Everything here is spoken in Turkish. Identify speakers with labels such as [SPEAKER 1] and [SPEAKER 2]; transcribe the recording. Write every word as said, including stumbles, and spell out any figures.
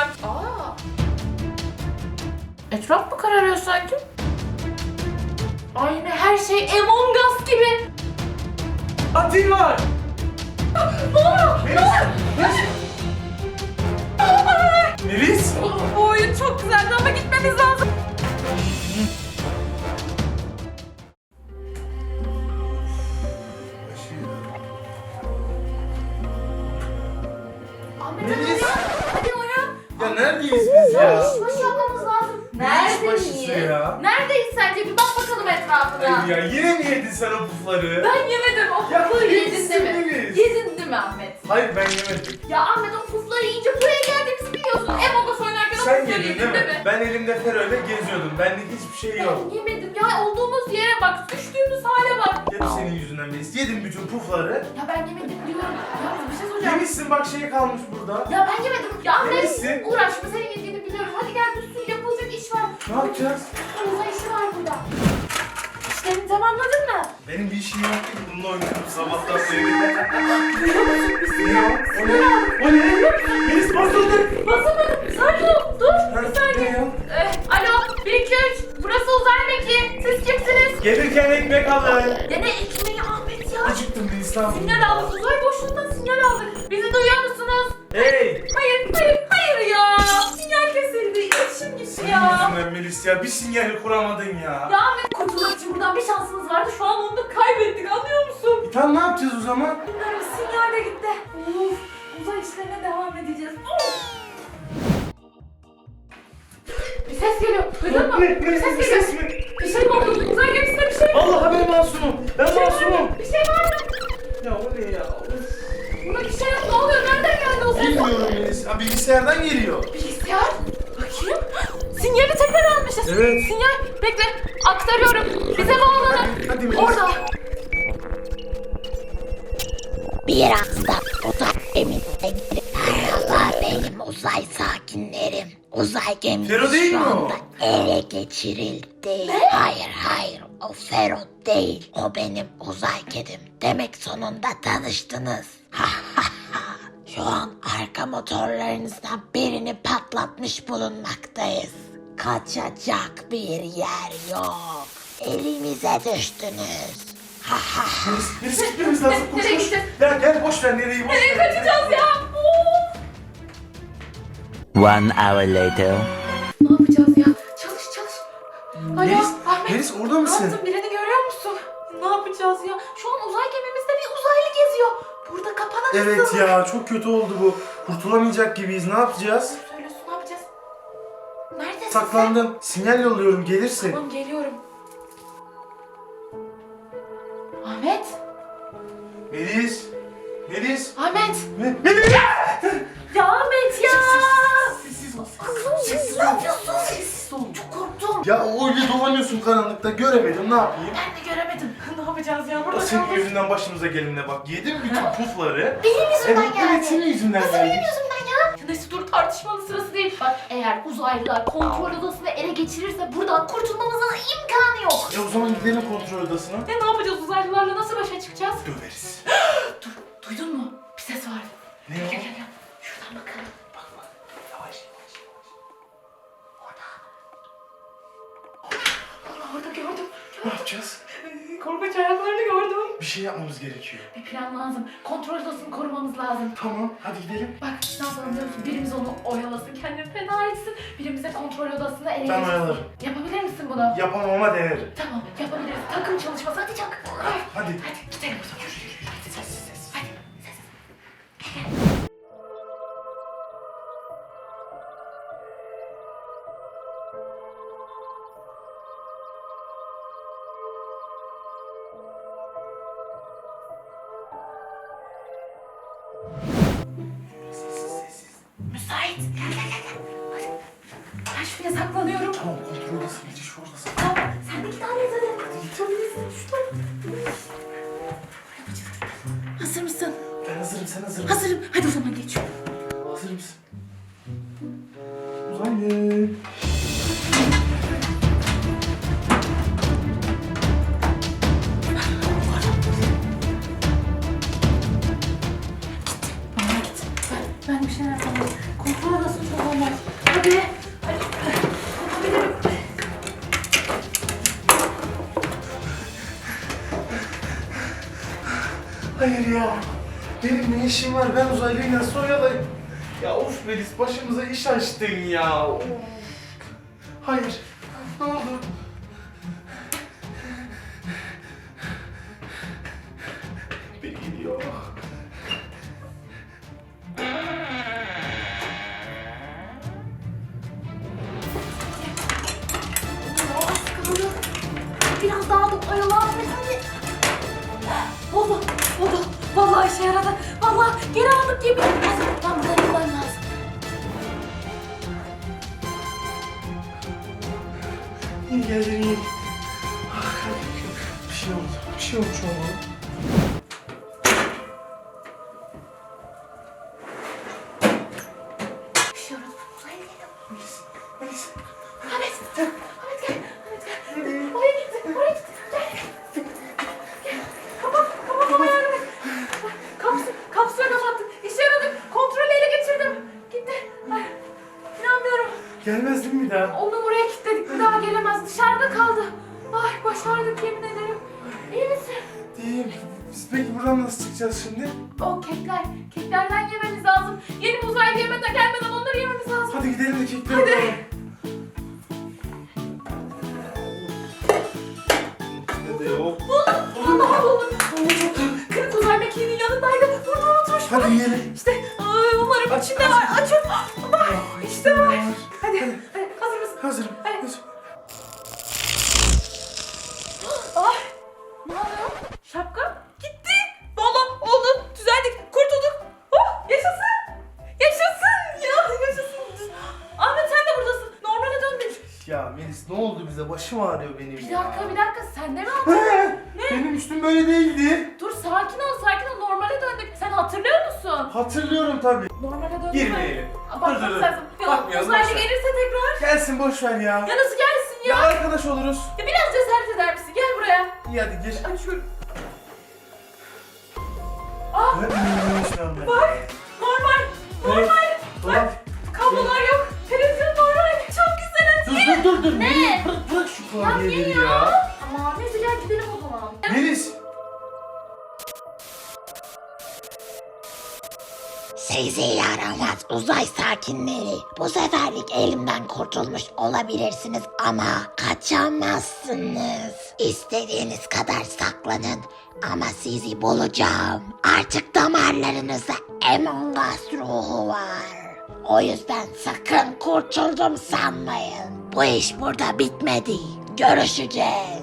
[SPEAKER 1] deneyeceğim. Aa. Etraf mı kararıyor sanki? Aynı her şey Among Us gibi.
[SPEAKER 2] Atil var.
[SPEAKER 1] Ne oluyor? Ne oluyor?
[SPEAKER 2] Melis.
[SPEAKER 1] Bu oyun çok güzeldi ama gitmemiz lazım. Ahmet hadi
[SPEAKER 2] Melis.
[SPEAKER 1] uyan. Hadi uyan.
[SPEAKER 2] Ya neredeyiz biz ya?
[SPEAKER 1] Ya iş başı yapmamız lazım.
[SPEAKER 2] iş başısı ya?
[SPEAKER 1] Neredeyiz sence? Bir bak bakalım etrafına.
[SPEAKER 2] Ay ya yine mi yedin sen o pufları?
[SPEAKER 1] Ben yemedim. O
[SPEAKER 2] Ya
[SPEAKER 1] pufları yedin
[SPEAKER 2] yemişsin
[SPEAKER 1] değil mi?
[SPEAKER 2] Melis.
[SPEAKER 1] Yedin değil mi Ahmet?
[SPEAKER 2] Hayır ben yemedim.
[SPEAKER 1] Ya Ahmet o pufları yiyince buraya geldiğimizi biliyorsun. Among Us oynarken o
[SPEAKER 2] Sen
[SPEAKER 1] pufları
[SPEAKER 2] yedin
[SPEAKER 1] yedin
[SPEAKER 2] değil mi? Ben elimde Fero'yla geziyordum. Benlik hiçbir şey yok.
[SPEAKER 1] Ben yemedim ya. Olduğumuz yere bak. Düştüğümüz hale bak.
[SPEAKER 2] Hep senin yüzünden Melis. Yedin bütün pufları.
[SPEAKER 1] Ya ben yemedim diyorum. Ya bir şey soracağım.
[SPEAKER 2] Yemişsin bak şey kalmış burada.
[SPEAKER 1] Ya ben yemedim. Ya Ahmet
[SPEAKER 2] Yemişsin.
[SPEAKER 1] uğraşma, senin yediğini biliyorum. Hadi gel bir sürü yapılacak iş var.
[SPEAKER 2] Ne yapacağız?
[SPEAKER 1] Uzay işi var burada. İşlerini tamamladın mı?
[SPEAKER 2] Benim bir işim yok ki bununla oynuyorum sabahtan beri. Ne o? O ne? O ne? Melis basıldı.
[SPEAKER 1] Basamadım. Sakin ol. Dur. Bir
[SPEAKER 2] Ne
[SPEAKER 1] saniye.
[SPEAKER 2] o?
[SPEAKER 1] Ee, alo. bir iki üç. Burası uzay mekiği. Siz kimsiniz?
[SPEAKER 2] Gelirken ekmek alın.
[SPEAKER 1] Dene ekmeği Ahmet ya.
[SPEAKER 2] Acıktım Melis lan.
[SPEAKER 1] Sinyal aldık. Uzay boşluğundan sinyal aldık. Bizi duyuyor musunuz?
[SPEAKER 2] Hey!
[SPEAKER 1] Hayır, hayır, hayır ya. Sinyal kesildi. İletişim gitti
[SPEAKER 2] Senin
[SPEAKER 1] ya.
[SPEAKER 2] yüzünden Melis ya. Bir sinyali kuramadın ya.
[SPEAKER 1] Ya Ahmet, kurtulmak için buradan bir şansımız vardı. Şu an onu da kaybettik, anlıyor musun?
[SPEAKER 2] E tamam ne yapacağız o zaman?
[SPEAKER 1] Bilmiyorum, sinyal de gitti. Of, uzay işlerine devam edeceğiz. Of. Bir ses geliyor. Duydun mu?
[SPEAKER 2] Ne?
[SPEAKER 1] Bir
[SPEAKER 2] Ne?
[SPEAKER 1] ses
[SPEAKER 2] Bir
[SPEAKER 1] geliyor.
[SPEAKER 2] ses mi?
[SPEAKER 1] Bir şey mi oldu? Uzay gemisinde bir şey mi?
[SPEAKER 2] Vallahi ben masumum. Ben
[SPEAKER 1] Bir şey var mı?
[SPEAKER 2] masumum.
[SPEAKER 1] Bir şey var mı?
[SPEAKER 2] Ya o ne ya? Of.
[SPEAKER 1] Burada bir şey yok. Ne oluyor? Nereden geldi o ses?
[SPEAKER 2] Bilmiyorum Melis. Ha, bilgisayardan geliyor.
[SPEAKER 1] Bilgisayar. Bakayım. Sinyali tekrar almışız.
[SPEAKER 2] Evet.
[SPEAKER 1] Sinyal. Bekle. Aktarıyorum. Bize bağlanın.
[SPEAKER 2] Hadi, hadi Melis.
[SPEAKER 1] Orada.
[SPEAKER 3] Birazdan uzay gemisine girip merhaba benim uzay sakinlerim. Uzay gemisi
[SPEAKER 2] Fero değil
[SPEAKER 3] şu
[SPEAKER 2] mi o?
[SPEAKER 3] anda ele geçirildi. Hayır hayır o Fero değil. O benim uzay kedim. Demek sonunda tanıştınız. Şu an arka motorlarınızdan birini patlatmış bulunmaktayız. Kaçacak bir yer yok. Elimize düştünüz.
[SPEAKER 2] Melis, Melis gitmemiz lazım. Koş
[SPEAKER 1] Nereye
[SPEAKER 2] koş.
[SPEAKER 1] gideceğiz?
[SPEAKER 2] Ya gel boş ver nereyi boş
[SPEAKER 1] Nereye
[SPEAKER 2] ver.
[SPEAKER 1] kaçacağız ya? Of.
[SPEAKER 4] One hour later.
[SPEAKER 1] Ne yapacağız ya? Çalış çalış. Alo
[SPEAKER 2] Melis,
[SPEAKER 1] Ahmet.
[SPEAKER 2] Melis orada
[SPEAKER 1] Ne
[SPEAKER 2] mısın?
[SPEAKER 1] yaptın? Birini görüyor musun? Ne yapacağız ya? Şu an uzay gemimizde bir uzaylı geziyor. Burada kapanan
[SPEAKER 2] Evet
[SPEAKER 1] ısırık.
[SPEAKER 2] ya çok kötü oldu bu. Kurtulamayacak gibiyiz. Ne yapacağız?
[SPEAKER 1] Doğru söylüyorsun, ne yapacağız? Neredesin sen?
[SPEAKER 2] Saklandım. Sinyal yolluyorum gelirsin.
[SPEAKER 1] Tamam, geliyorum. Ahmet.
[SPEAKER 2] Melis. Melis.
[SPEAKER 1] Ahmet.
[SPEAKER 2] Me- Melis.
[SPEAKER 1] Ya Ahmet ya.
[SPEAKER 2] Sessiz ol.
[SPEAKER 1] Sessiz ne yapıyorsun? Sessiz ol. Çok korktum.
[SPEAKER 2] Ya öyle dolanıyorsun karanlıkta göremedim ne yapayım?
[SPEAKER 1] Ben de göremedim. Ne yapacağız ya? Burada
[SPEAKER 2] Senin
[SPEAKER 1] kaldık.
[SPEAKER 2] yüzünden başımıza gelinine bak. Yedim bütün pufları.
[SPEAKER 1] Benim yüzümden
[SPEAKER 2] Evet,
[SPEAKER 1] geldi.
[SPEAKER 2] evet senin yüzünden
[SPEAKER 1] Nasıl
[SPEAKER 2] geldi.
[SPEAKER 1] benim yüzümden ya? Neyse dur, tartışmanın sırası değil. Bak, eğer uzaylılar kontrol odasını ele geçirirse buradan kurtulmamızın imkanı yok.
[SPEAKER 2] E o zaman gidelim kontrol odasına.
[SPEAKER 1] Ya ne yapacağız, uzaylılarla nasıl başa çıkacağız?
[SPEAKER 2] Döveriz.
[SPEAKER 1] Dur, duydun mu? Bir ses vardı.
[SPEAKER 2] Ne
[SPEAKER 1] Gel
[SPEAKER 2] o?
[SPEAKER 1] gel gel. Şuradan bakalım.
[SPEAKER 2] Bak bak. Yavaş yavaş yavaş.
[SPEAKER 1] Orada. Allah, orada gördüm.
[SPEAKER 2] Ne yapacağız?
[SPEAKER 1] Korkunç ayaklarını gördüm.
[SPEAKER 2] Bir şey yapmamız gerekiyor.
[SPEAKER 1] Bir plan lazım. Kontrol odasını korumamız lazım.
[SPEAKER 2] Tamam hadi gidelim.
[SPEAKER 1] Bak, ne yapalım biliyor musun? Birimiz onu oyalasın, kendini feda etsin. Birimize kontrol odasını ele
[SPEAKER 2] Ben
[SPEAKER 1] geçirsin.
[SPEAKER 2] oyalarım.
[SPEAKER 1] Yapabilir misin bunu?
[SPEAKER 2] Yapamam ama denerim.
[SPEAKER 1] Tamam, yapabiliriz. Takım çalışması. Hadi çak. Hadi.
[SPEAKER 2] Hadi.
[SPEAKER 1] Hadi gidelim o zaman. Yürü yürü yürü. Hadi sessiz sessiz. Hadi sessiz. Müsait. Gel gel gel. gel. Hadi. Ben şuraya saklanıyorum.
[SPEAKER 2] Tamam kontrol odası gece şu odası.
[SPEAKER 1] Tamam. Sen de git hallet hadi. Hadi git. Şuradan. Hazır mısın?
[SPEAKER 2] Ben hazırım sen hazır mısın?
[SPEAKER 1] Hazırım. Hadi o zaman geç.
[SPEAKER 2] Hazır mısın? Uzaylı.
[SPEAKER 1] Bana git. Ben, ben bir şeyler yapamam. Kontrol odasını çok olmaz.
[SPEAKER 2] ya? Benim ne işim var? Ben uzaylıyı nasıl oyalayayım? Ya of Melis, başımıza iş açtın ya. Of. Hayır. Ne oldu? Biri gidiyor.
[SPEAKER 1] Ya az kaldı. Biraz daha da oyalan. Hadi. Oldu. Oldu. Vallahi işe yaradı. Vallahi geri aldık gibi. Hazır. Ben buradan gitmem lazım.
[SPEAKER 2] İyi geldin, iyi. Ah, bir şey oldu. Bir şey olmuş olmalı.
[SPEAKER 1] İşe yaradı. Uzay gidelim.
[SPEAKER 2] Melis, Melis.
[SPEAKER 1] Ahmet. Ahmet gel. Ahmet gel. Oraya gitti. Oraya gitti. Gel. Gel. Kapat. Kapat ama yardım et. Kapsül. Kapsülü kapattık. İşe yaradı. Kontrolü ele geçirdim. Gitti. Ay. İnanmıyorum.
[SPEAKER 2] Gelmez değil mi bir daha?
[SPEAKER 1] Onu oraya kilitledik. Bir daha gelemez. Dışarıda kaldı. Ay başardık yemin ederim. İyi misin?
[SPEAKER 2] İyiyim. Biz peki buradan nasıl çıkacağız şimdi?
[SPEAKER 1] O kekler. Keklerden yememiz lazım. Yeni uzaylı yemeden gelmeden onları yememiz lazım.
[SPEAKER 2] Hadi gidelim de kekleri
[SPEAKER 1] Hadi.
[SPEAKER 2] alalım. Hadi yok.
[SPEAKER 1] Buldum. Allah buldum. Kırık uzay mekiğinin yanındaydı. Burada unutmuş.
[SPEAKER 2] Hadi yiyelim.
[SPEAKER 1] İşte ay, umarım içinde var. Açın. Bak işte var. Hadi.
[SPEAKER 2] Hadi.
[SPEAKER 1] Hadi. Hazır mısın?
[SPEAKER 2] Hazırım.
[SPEAKER 1] Hadi.
[SPEAKER 2] Hazırım.
[SPEAKER 1] Ay. Ne oluyor? Şapka gitti. Valla oldu. Düzeldik. Kurtulduk. Oh yaşasın. Yaşasın. Ya yaşasın. Ahmet sen de buradasın. Normale döndün.
[SPEAKER 2] Ya Melis, ne oldu bize? Başım ağrıyor benim
[SPEAKER 1] Bir
[SPEAKER 2] ya.
[SPEAKER 1] dakika bir dakika. Sen de mi aldın?
[SPEAKER 2] He, benim üstüm böyle değildi.
[SPEAKER 1] Dur sakin ol sakin ol. Normale döndük. Sen hatırlıyor musun?
[SPEAKER 2] Hatırlıyorum tabii.
[SPEAKER 1] Normale döndük.
[SPEAKER 2] Girmeyelim.
[SPEAKER 1] Bakmak
[SPEAKER 2] Dur, dur, dur.
[SPEAKER 1] lazım. Ya,
[SPEAKER 2] Bakmayalım,
[SPEAKER 1] uzaylı
[SPEAKER 2] boş ver.
[SPEAKER 1] gelirse tekrar.
[SPEAKER 2] Gelsin, boş ver ya.
[SPEAKER 1] Ya nasıl gelsin
[SPEAKER 2] Ya
[SPEAKER 1] ya?
[SPEAKER 2] arkadaş oluruz.
[SPEAKER 1] Ya biraz cesaret eder misin? Gel buraya.
[SPEAKER 2] İyi hadi gir.
[SPEAKER 1] Açıyorum. Ah
[SPEAKER 2] Ne bileyim ben.
[SPEAKER 1] bak. Normal. Normal.
[SPEAKER 2] Dolap.
[SPEAKER 1] Kablolar yok. Televizyon normal. Çok güzel.
[SPEAKER 2] Dur
[SPEAKER 1] Hadi.
[SPEAKER 2] dur dur dur.
[SPEAKER 1] Ne?
[SPEAKER 2] Melis, bırak, bırak şu
[SPEAKER 1] Ya niye
[SPEAKER 2] klavyeleri
[SPEAKER 1] ya?
[SPEAKER 2] ya.
[SPEAKER 1] Ama neyse gel gidelim o zaman.
[SPEAKER 2] Melis.
[SPEAKER 3] Sizi yaramaz uzay sakinleri. Bu seferlik elimden kurtulmuş olabilirsiniz ama kaçamazsınız. İstediğiniz kadar saklanın ama sizi bulacağım. Artık damarlarınızda Among Us ruhu var. O yüzden sakın kurtuldum sanmayın. Bu iş burada bitmedi. Görüşeceğiz.